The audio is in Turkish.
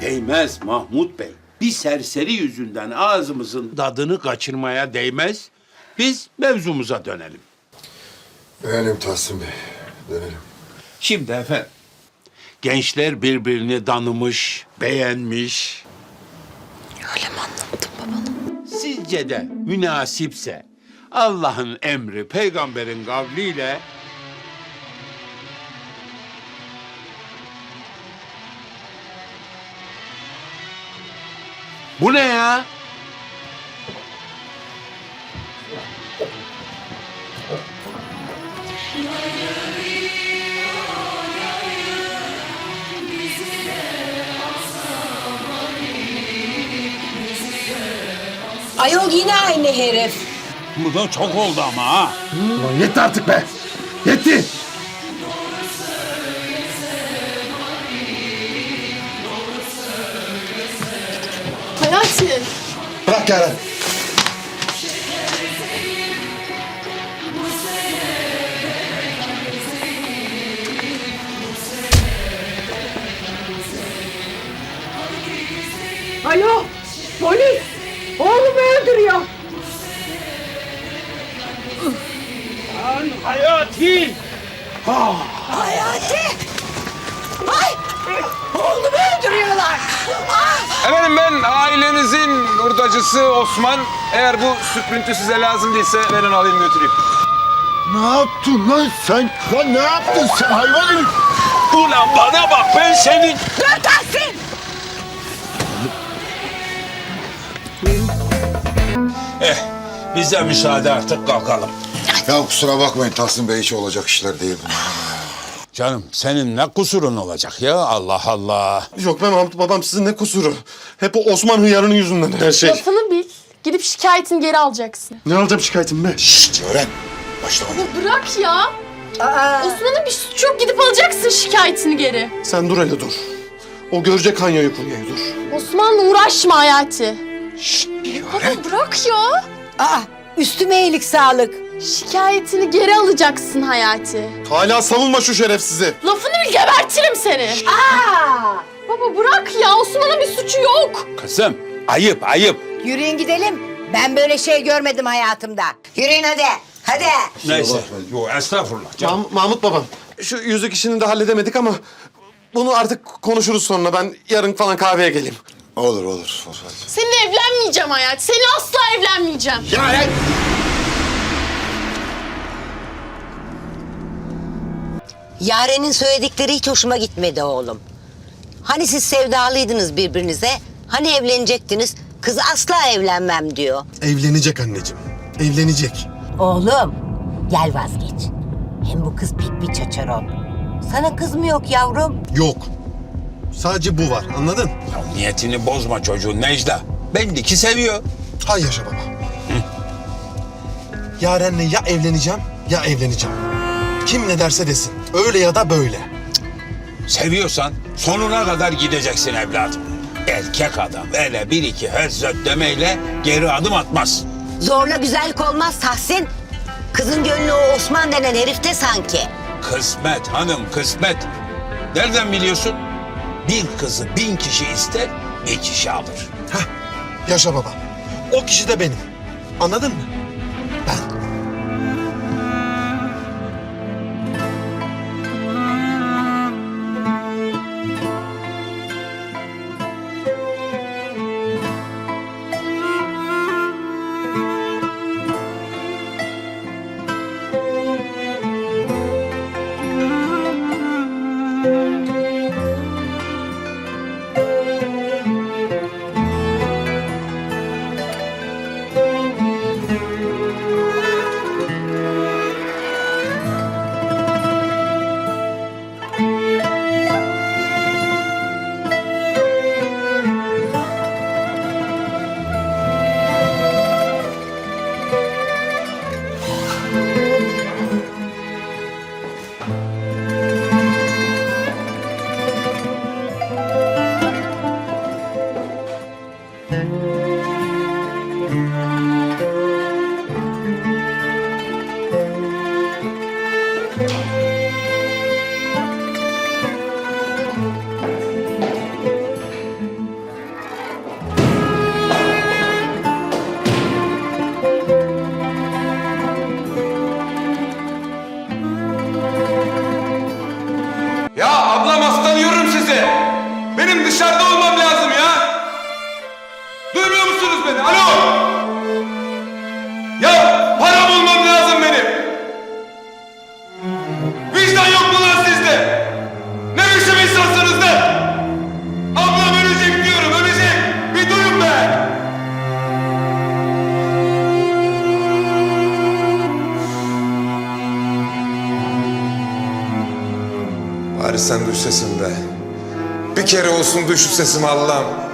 Değmez Mahmut Bey. Bir serseri yüzünden ağzımızın tadını kaçırmaya değmez. Biz mevzumuza dönelim. Dönelim Tahsin Bey, dönelim. Şimdi efendim, gençler birbirini tanımış, beğenmiş. Öyle mi anlattın babana? Sizce de münasipse Allah'ın emri, peygamberin kavliyle bu ne ya? Ayol yine aynı herif. Bu da çok oldu ama ha. Ulan yetti artık be! Yetti! Hayati. Bırak Yaren. Alo. Polis. Oğlumu öldürüyor. Hayati! Hayati! Ay! Oğlumu öldürüyorlar. Efendim ben ailenizin hurdacısı Osman. Eğer bu süprüntü size lazım değilse verin alayım götüreyim. Ne yaptın lan sen? Lan ne yaptın sen hayvan herif? Ulan bana bak, ben senin... Dur Tahsin! Bize müsaade, artık kalkalım. Ya kusura bakmayın Tahsin Bey, hiç olacak işler değil bunlar. Canım senin ne kusurun olacak ya, Allah Allah. Yok be Mahmut babam, sizin ne kusuru? Hep o Osman hıyarının yüzünden her şey. Lafını bil. Gidip şikayetini geri alacaksın. Ne alacağım şikayetim be? Şşt öğren. Başlama. Bırak ya. Osman'ın bir suçu yok. Gidip alacaksın şikayetini geri. Sen dur hele dur. O görecek Hanya'yı kuryayı dur. Osman'la uğraşma Hayati. Baba Bırak ya. Aa, üstüme iyilik sağlık. Şikayetini geri alacaksın Hayati. Hala savunma şu şerefsizi. Lafını bil, gebertirim seni. Baba bırak ya. Osman'ın bir suçu yok. Kızım, ayıp ayıp. Yürüyün gidelim. Ben böyle şey görmedim hayatımda. Yürüyün hadi. Hadi. Neyse, yok estağfurullah canım. Mahmut babam, şu yüzük işini de halledemedik ama bunu artık konuşuruz sonra. Ben yarın falan kahveye geleyim. Olur olur. Seninle evlenmeyeceğim Hayati. Seninle asla evlenmeyeceğim. Yaren'in söyledikleri hiç hoşuma gitmedi oğlum. Hani siz sevdalıydınız birbirinize, hani evlenecektiniz, kız asla evlenmem diyor. Evlenecek anneciğim, evlenecek. Oğlum, gel vazgeç. Hem bu kız pek bir çaçaron. Sana kız mı yok yavrum? Yok. Sadece bu var, anladın? Ya niyetini bozma çocuğun Necla. Belli ki seviyor. Hay yaşa baba. Yaren'le ya evleneceğim ya evleneceğim. Kim ne derse desin. Öyle ya da böyle. Seviyorsan sonuna kadar gideceksin evladım. Erkek adam öyle bir iki hözzöt demeyle geri adım atmaz. Zorla güzellik olmaz Tahsin. Kızın gönlü o Osman denen herifte sanki. Kısmet hanım, kısmet. Nereden biliyorsun? Bir kızı 1000 kişi ister, bir kişi alır. Heh, yaşa baba. O kişi de benim. Anladın mı? Ben. beni? Alo! Ya para bulmam lazım benim. Vicdan yok mu lan sizde? Ne biçim insansınız lan? Ablam ölecek diyorum, ölecek. Bir duyun be. Bari sen duy sesimi be. Bir kere olsun duy şu sesimi Allah'ım.